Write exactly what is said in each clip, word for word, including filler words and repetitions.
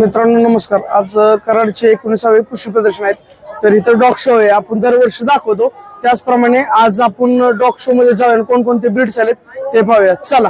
मित्रांनो नमस्कार. आज कराडचे एकोणीसावे कृषी प्रदर्शन आहेत. तर इथं डॉग शो आहे. आपण दरवर्षी दाखवतो त्याचप्रमाणे आज आपण डॉग शो मध्ये जाऊया. कोणकोणते ब्रीड्स आलेत ते पाहूया. चला.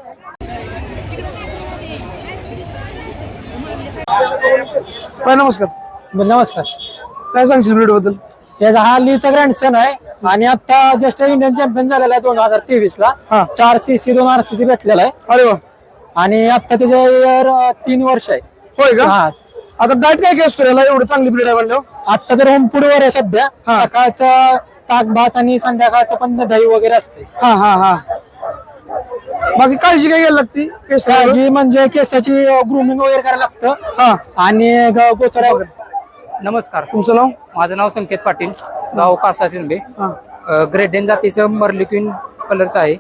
काय नमस्कार. नमस्कार. काय सांगशील ब्रीड बद्दल? याचा हा लीचा ग्रँडसन आहे आणि आता जस्ट इंडियन चॅम्पियन झालेला आहे दोन हजार तेवीस ला. चार सीसी दोन आर सीसी भेटलेला आहे. अरे वा. आणि आता त्याचे इयर तीन वर्ष आहे. होय का? आता डाएट काय काय असतो याला? एवढं चांगली ब्रीड आहे म्हणल्यावर आता तर होम फूड वर आहे सध्या. सकाळचं ताक भात आणि संध्याकाळचं पण दही वगैरे असते. हा हा हा बाकी काळजी काय घ्यायला लागते? काळजी म्हणजे केसाची ग्रूमिंग वगैरे करायला लागतं. हा आणि गोचरा वगैरे. नमस्कार. तुमचं नाव? माझं नाव संकेत पाटील, गाव कासा शिंदे. ग्रेट डेन जातीचं मर्लिक्विन कलरचं आहे.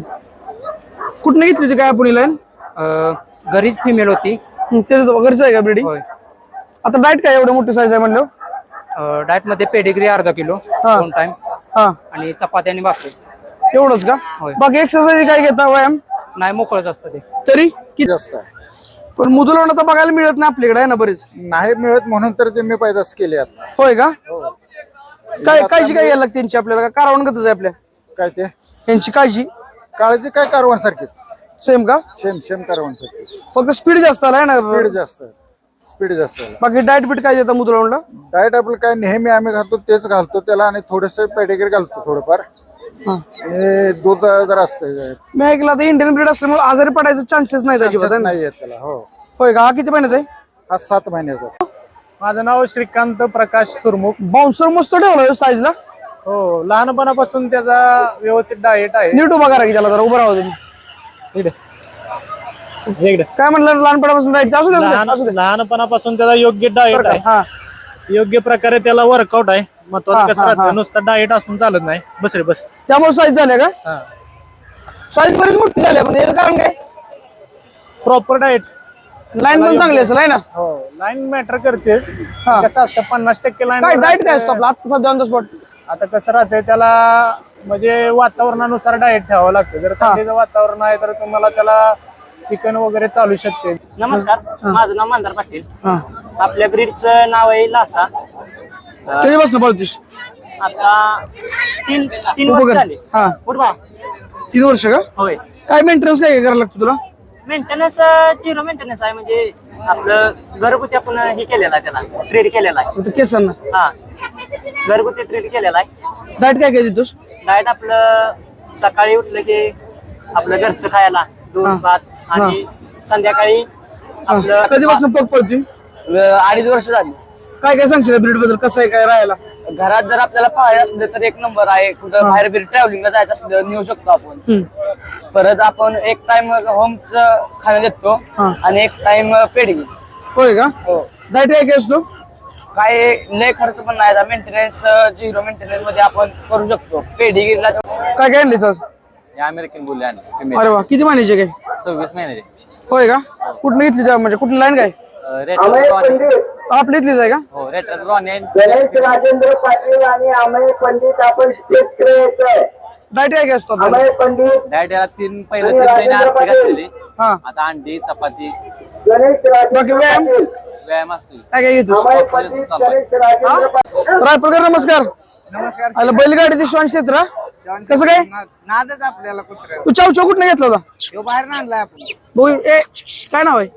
कुठनं घेतली होती काय आपण लाईन? घरीच फिमेल होती. त्याच घरचं आहे का ब्रीडिंग? होय. आता डाएट काय एवढं मोठी साईज आहे म्हणलं? डाएट मध्ये पेडिग्री अर्धा किलो दोन टाइम हा आणि चपाती आणि भाकरी एवढंच का? होय. बाकी एक्सरसाइज काय घेता व्यायाम? नाही मोकळच असतं ते. तरी किती जास्त आहे? पण मुदुलांना तर बघायला मिळत नाही आपल्याकडे आहे ना बरीच. नाही मिळत म्हणून तर ते मी पैदास केले आता. होय का? काय काळजी काय घ्यायला लागते त्यांची आपल्याला? कारवण गतच आहे आपल्या काय ते यांची काळजी? काळजी काय कारवान सारखीच सेम का? सेम सेम कारवान सारखी. फक्त स्पीड जास्त आलाय ना. स्पीड जास्त स्पीड जास्त बाकी डाएट बीट काय देता मुदुलांना? डाएट आपलं काय नेहमी आम्ही घालतो तेच घालतो त्याला आणि थोडस पेडिग्री घालतो थोडंफार. आणि दूध जरा असतं. मी ऐकलं आता इंडियन ब्रीड असल्यामुळे आजारी पडायचे चान्सेस नाही त्याची. नाही येत त्याला. हो. होय का? हा किती महिन्याचा आहे? हा सात महिन्याचा. माझं नाव श्रीकांत प्रकाश सुरमुख. बाउन्सर मस्त ठेवला साईजला. हो, लहानपणापासून त्याचा व्यवस्थित डाएट आहे. नीट उभा करा की त्याला जरा उभं राहू तुम्ही. काय म्हणलं? लहानपणापासून डाएट असू दे, असू दे. लहानपणापासून त्याचा योग्य डाएट आहे. हा योग्य प्रकारे त्याला वर्कआउट आहे. महत्वाचं कसं राहतं, नुसतं डाएट असून चालत नाही. बस रे बस. त्यामुळे साईज झाले का? हा, साईज बरीच मोठी झाली पण याचं कारण काय? Proper diet. लाईन पण चांगली असेल आहे ना? हो, लाईन मॅटर करते. कसं असतं पन्नास टक्के लाईन. काय डाएट काय असतो आपला आता सध्या ऑन द स्पॉट? आता कसं राहतंय त्याला म्हणजे वातावरणानुसार डाएट ठेवावं लागतं. जर थंडीचं वातावरण आहे तर तुम्हाला त्याला चिकन वगैरे चालू शकते. नमस्कार. माझं नाव मंदार पाटील. आपल्या ब्रीडचं नाव आहे लासा. कधीपासून पळतोस? आता तीन तीन वर्ष झाले. हा उठवा. तीन वर्ष का? होय. काय मेंटेनन्स काय करायला लागतो तुला? मेंटेनन्स झिरो मेंटेनन्स आहे. म्हणजे आपलं घरगुती आपण हे केलेलं आहे, त्याला ट्रीट केलेला आहे. केसांना हा, घरगुती ट्रीट केलेला आहे. डाएट काय काय देतोस? डाएट आपलं सकाळी उठलं की आपलं घरचं खायला दूध भात आणि संध्याकाळी आपलं. कधीपासून पग पळतोय? अडीच वर्ष झाली. काय काय सांगशील ब्रीड बद्दल? कसं आहे काय राहायला? घरात जर आपल्याला पाहायला असले तर एक नंबर आहे. कुठं बाहेर बिर ट्रॅव्हलिंगला जायचं असलं नेऊ शकतो आपण. परत आपण एक टाइम होमचं खाणं देतो आणि एक टाइम पेडिंग. होय का? हो. डाएट काय काय असतो? काय लय खर्च पण नाही. मेंटेनन्स झिरो मेंटेनन्स मध्ये आपण करू शकतो. पेडिगिरीला काय काय आणलीस आज? अमेरिकन बुल आणि अरे वा. किती महिन्याचे काय? सव्वीस महिन्याचे. होय का? कुठनं घेतली त्या म्हणजे कुठली लाईन काय? आपली इथलीच आहे का? हो, रेटर रॉन आहे. गणेश राजेंद्र पाटील आणि अमय पंडित आपण स्टेजकडे येतोय. डाएट काय काय असतो आपला? अमय पंडित डाएट याला तीन पहिलं तीन महिने आरसी घातलेली. हा. आता अंडी चपाती गणेश बाकी व्यायाम राजेंद्र व्यायाम असतो. काय काय घेतोस? अमय पंडित गणेश राजेंद्र पाटील. रायपूरकर नमस्कार. नमस्कार. आला बैलगाडी ते श्वान क्षेत्र कसं काय? नादच आपल्याला कुत्र्या तू चाव चाव कुठनं घेतला होता? बाहेर आणलाय आपण. भाऊ ए श्श, काय नाव आहे?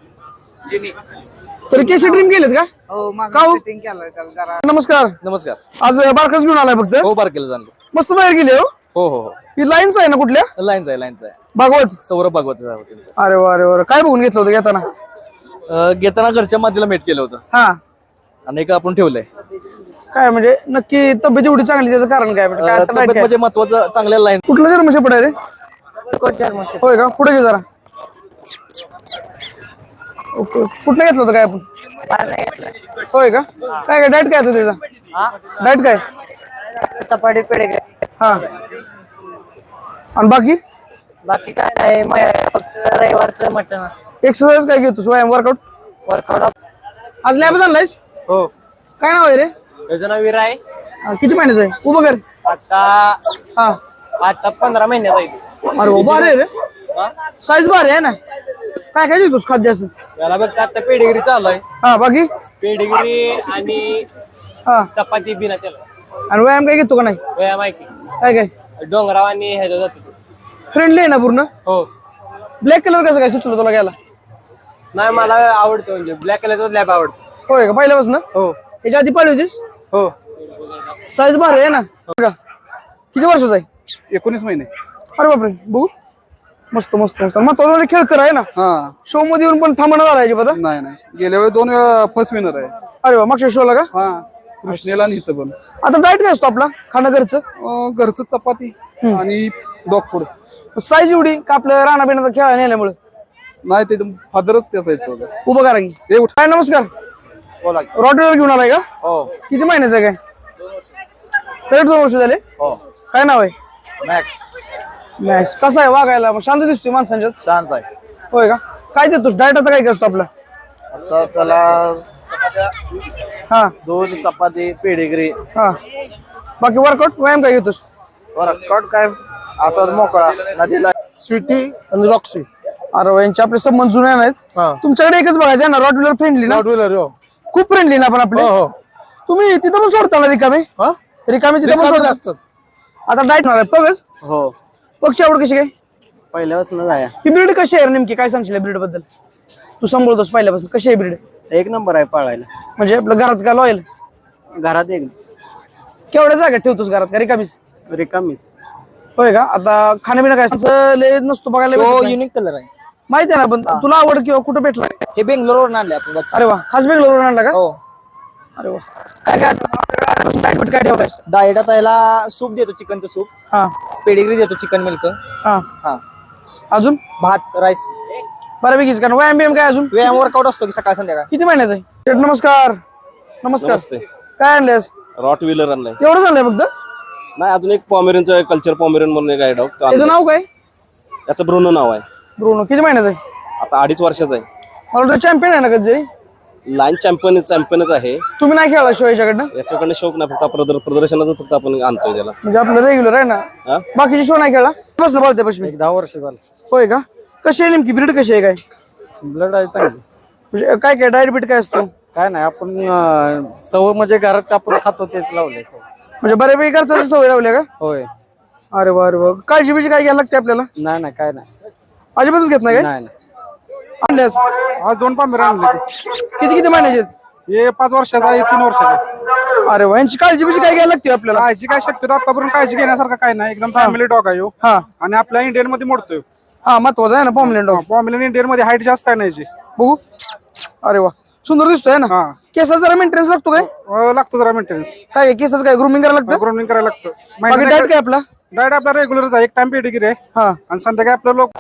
तरी केसी ड्रीम गेलेत का? हो का हो? केलं त्याला जरा. नमस्कार. नमस्कार. आज बारकाच घेऊन आलाय फक्त? हो, बारकेला जाणलो. मस्त बाहेर गेले हो. हो हो हो. ही लाईन्स आहे ना कुठल्या? लाईन्स आहे लाईन्स आहे. भागवत. सौरभ भागवत त्यांचं. अरे वा अरे वा. काय बघून घेतलं होतं घेताना? अं, घेताना घरच्या मातीला मेट केलं होतं हा. आणि एक आपण ठेवलंय. काय म्हणजे नक्की तब्येत एवढी चांगली त्याचं कारण काय? म्हणजे काय आता तब्येत diet काय? म्हणजे महत्वाचं चांगल्या लाईन. कुठलं जर म्हशी पडाय रे? होय का? पुढे घे जरा. ओके. कुठलं घेतलं होतं काय आपण? होय का? काय काय डाएट काय होतं त्याचा? डाएट काय? चपाटी पेडे. हा. आणि बाकी बाकी काय नाही. फक्त रविवारचं मटन. एक्सरसाइज काय घेतोस? व्यायाम वर्कआउट? वर्कआउट. आज लॅब आणलायस? हो. काय नाव आहे रे? त्याचं नाव विरा आहे. हा, किती महिन्याचं आहे? उभं कर. आता हा. आता पंधरा महिन्याचा आहे. अरे बाबा रे रे. साईज भारी आहे ना? काय काय देतोस खाद्य असं? याला बघता आता पेडिगिरी चालू आहे. हा बाकी पेडिगिरी आणि हा चपाती बिना त्याला आणि व्यायाम काय घेतो का नाही? वया माहिती काय काय डोंगराव आणि ह्याच्या जातो. फ्रेंडली आहे ना पूर्ण? हो ब्लॅक कलर कसं काय सुचलं तुला घ्यायला? नाही मला आवडतो म्हणजे ब्लॅक कलरचा लॅब आवडतो. होय का पहिल्यापासून? हो याच्या आधी पाळली होतीस? हो साईज भारी आहे ना? का किती वर्षाचा आहे? एकोणीस महिने. अरे बापरे बघू मस्त मस्त मस्त मग तो खेळ कर आहे ना हा शो मध्ये येऊन पण थांबणार झाला याची पता. नाही नाही गेल्या वेळी दोन वेळा फर्स्ट विनर आहे. अरे वा मागच्या शोला का? हा कृष्णेला आणि इथं पण आता डाएट काय असतो आपला खाणं घरचं? अं, घरचं चपाती आणि डॉग फूड. साईज एवढी का आपलं राणा बिणाचा खेळ नेल्यामुळे? नाही ते फादरच त्या साईजचं होतं. उभं करा की. ए उठ. काय नमस्कार बोला रॉडवेलर घेऊन आलाय का? हो किती महिन्याचं आहे काय? करेक्ट दोन वर्ष झाले. हो काय नाव आहे? मॅक्स मॅक्स कसा आहे वागायला? मग शांत दिसतोय माणसांच्यात. शांत आहे. होय का? काय देतोस डाएट आता काय काय असतो आपला? आता त्याला हा दोन चपाती पेडिगिरी हा बाकी वर्कआउट व्यायाम काय घेतोस? वर्कआउट काय असाच मोकळा नदीला. स्वीटी आणि रॉक्सी. अरे वा, यांचे आपले संबंध जुने नाहीत. हा तुमच्याकडे एकच बघायचं आहे ना रॉडवेलर फ्रेंडली ना? व्हीलर हो खूप फ्रेंडली ना आपण आपले. हो हो तुम्ही तिथं पण सोडता ना रिकामे? हा रिकामे तिथं पण रिकामे सोडता? असतात. आता डाएट मारा पगच हो पक्षी आवड कशी काय? पहिल्यापासून जाया ही ब्रीड कशी आहे नेमकी? काय सांगशील ब्रीड बद्दल? तू सांभाळतोस पहिल्यापासून कशी आहे ब्रीड? एक नंबर आहे पाळायला. म्हणजे आपल्या घरात का लॉयल? घरात एक केवढ्या जागा ठेवतोस घरात का रिकामीच? रिकामीच. होय का? आता खाण्यापिणं काय असं लय नसतो बघायला भेटत नाही. युनिक कलर आहे. माहिती आहे ना पण तुला आवड किंवा कुठं भेटला? हे बेंगलोरवरून आणले आपण. अरे वा खास बेंगलोर आणला का? हो अरे वा काय काय डाएट काय ठेवलायस? डाएट आता याला सूप देतो चिकनचं सूप. हा पेडिग्री देतो चिकन मिल्क. हा हा अजून भात राईस. बऱ्यापैकीच कारण व्यायाम बियाम काय अजून? व्यायाम वर्कआउट असतो की सकाळ संध्याकाळ. किती महिन्याचा आहे? शेठ, नमस्कार. नमस्कार नमस्ते. काय आणलेस? रॉट व्हीलर आणलाय. एवढं आणलंय फक्त? नाही अजून एक पॉमेरियनचं कल्चर पॉमेरियन म्हणून एक आहे डॉग. त्याचं नाव काय? त्याचं ब्रुनो नाव आहे. ब्रुनो किती महिन्याचा आहे? आता अडीच वर्षाचा आहे. मला वाटतं चॅम्पियन आहे ना कधीतरी? लाईन चॅम्पियन चॅम्पियनच आहे. तुम्ही नाही खेळला शो याच्याकडनं? याच्याकडनं शौक नाही फक्त प्रदर- प्रदर्शनाचं फक्त आपण आणतोय त्याला. म्हणजे आपलं रेग्युलर आहे ना? हा? बाकीचे शो नाही खेळला? बसलं पळते पश्चिमी. दहा वर्ष झालं. होय का? कशी आहे नेमकी ब्रीड कशी आहे काय? ब्लड आहे चांगली. म्हणजे काय काय डाएट बीट काय असतं? काय नाही आपण सव म्हणजे घरात आपण खातो तेच लावलंय. म्हणजे बऱ्यापैकी घरचा सवय लावल्या का? होय. अरे वा अरे वा काळजी बिजी काय घ्यायला लागते आपल्याला? नाही नाही काय नाही. अजिबातच घेत नाही काय? नाही नाही. आणल्यास आज दोन पामेर आणले ते. किती किती महिन्याचे आहेत? हे पाच वर्षाचा आहे तीन वर्षाचा आहे. अरे वा यांची काळजी बिजी काय घ्यायला लागते आपल्याला? काळजी काय शक्यतो आतापर्यंत काळजी घेण्यासारखं काय नाही. एकदम फॅमिली डॉग आहे ह्यो. हा आणि आपल्या इंडियन मध्ये मोडतोय. हा महत्वाचं आहे ना पॉम्बलेंट डॉग. पॉम्बलेन इंडियन मध्ये हाईट जास्त आहे ना याची. बघू अरे वा सुंदर दिसतोय ना? हा केसाचा जरा मेंटेनन्स लागतो काय? अं, लागतं जरा मेंटेनन्स. काय केसाचं काय ग्रुमिंग करायला लागतं? ग्रोमिंग करायला लागतं. बाकी डाएट काय आपला? डाएट आपला रेग्युलरच आहे. एक टाइम पेडिग्री आहे हा आणि संध्याकाळी आपलं लोक.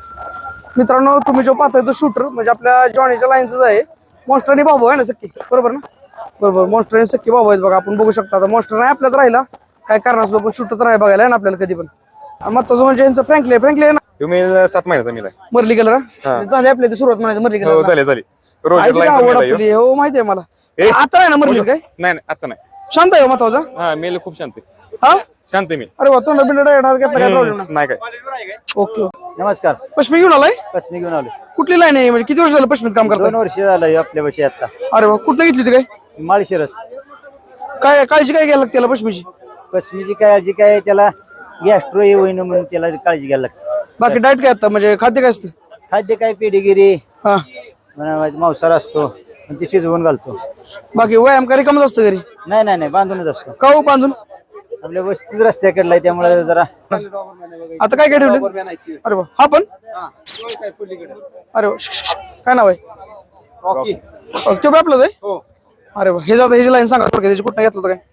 मित्रांनो तुम्ही जो पाहताय तो शूटर म्हणजे आपल्या जॉनीच्या लाईनच आहे. मॉन्स्टर आणि बाबू आहे ना सक्की बरोबर ना? बरोबर मॉन्स्टर आणि सक्की बाबू आहेत बघा. आपण बघू शकता आता मॉन्स्टर नाही आपल्यात राहिला काय कारण असतो पण शूटर तर आहे बघायला आहे ना आपल्याला कधी पण. आणि महत्वाचं म्हणजे यांचं फ्रँकली फ्रँकली आहे ना मेल सात महिन्याचा मेल आहे. मरली कलर झाली आपल्या इथे सुरुवात म्हणायचं मरली हो कलर झाले झाले रोज आवड आपली हो माहिती आहे मला. ए. आता आहे ना मरली काय? नाही नाही आता नाही. शांत आहे हो महत्वाचा. हा मेल खूप शांत आहे. हा शांत आहे मेल. अरे वा तोंड बिंड हात घेतला काय प्रॉब्लेम नाही. नाही काय. Okay okay. नमस्कार. पश्चिमी घेऊन आलाय? पश्चिमी घेऊन आलो. कुठली लाईन आहे म्हणजे किती वर्ष झालं पश्चिमीत काम करताय? दोन वर्ष झालं आपल्या वर्षी आता. अरे वा कुठलं घेतली होती काय? माळशिरस. काय काळजी काय घ्यायला लागते त्याला पश्चिमीची? पश्चिमीची काळजी काय त्याला गॅस्ट्रो होईन म्हणून त्याला काळजी घ्यायला लागते. बाकी डाएट काय आता म्हणजे खाद्य काय असतं? खाद्य काय पेडिगिरी हा मांसाहार असतो आणि ते शिजवून घालतो. बाकी व्यायाम काय कमच असतं घरी? नाही नाही नाही बांधूनच असतो. का हो बांधून? आपल्या वस्तीच रस्त्याकडला आहे त्यामुळे जरा. आता काय काय ठेवलं? अरे वा हा पण अरे वा श्श, श्श, श्श. काय नाव आहे? रॉकी. तो बी आपलंच आहे? अरे वा हे जातं ह्याची लाईन सांगा थोडक्यात त्याची कुठं घेतलं होतं काय?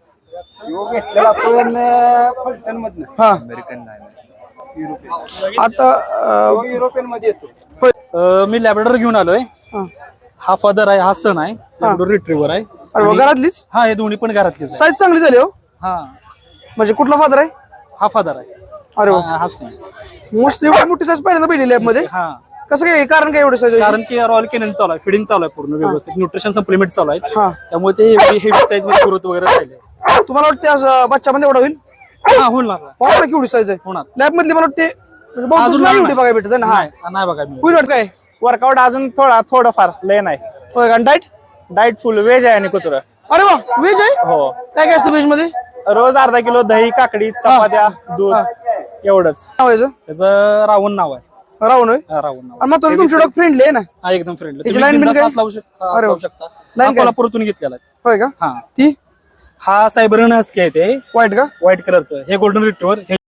आपण मधनं हा अमेरिकन आता अं, युरोपियन मध्ये येतो. होय. मी लॅब्राडोर घेऊन आलोय. हा. हा फादर आहे हा सन आहे. लॅब्राडोर रिट्रीव्हर आहे. अरे वा घरातलीच हा हे दोन्ही पण घरातलेच आहे. साईज चांगली झाली हो. हा म्हणजे कुठला फादर आहे? हा फादर आहे. अरे वा हा हा son. मस्त एवढी मोठी साईज पहिल्यांदा पहिली लॅब मध्ये. हा कसं काय कारण काय एवढं साईज? कारण की रॉयल कॅनल चालू आहे फिडिंग चालू आहे पूर्ण व्यवस्थित न्यूट्रिशन सप्लिमेंट चालू आहेत हा त्यामुळे ते एवढी हेवी साईज मध्ये ग्रोथ वगैरे राहिले. तुम्हाला वाटते असं बच्चामध्ये एवढा होईल? हा होणार पाहा ना केवढी साईज आहे होणार लॅब मधली. मला वाटते म्हणजे बहुत अजून नाही नाही. एवढी बघायला भेटत ना. हा नाही नाही बघा मी होईल वाट काय वर्कआउट अजून थोडा थोडंफार लय नाही. होय का डाईट डाएट फुल व्हेज आहे आणि कुत्र. अरे वा व्हेज आहे हो. काय काय असतं व्हेज मध्ये रोज अर्धा किलो दही काकडी चपात्या दूध एवढंच. नाव आहे याचं? त्याचं रावण नाव आहे. राहून होय रावण नाव आणि मग तुमची डॉग फ्रेंडली आहे ना हा एकदम फ्रेंडली. याची line बिन काय? लावू शकता अरे वा. लावू शकता. line हा काय? कोल्हापूरतून घेतलेला आहे. होय का हा ती हा सायबरन हस्की आहे ते वाईट का व्हाईट कलरचं. हे गोल्डन रिट्रीव्हर.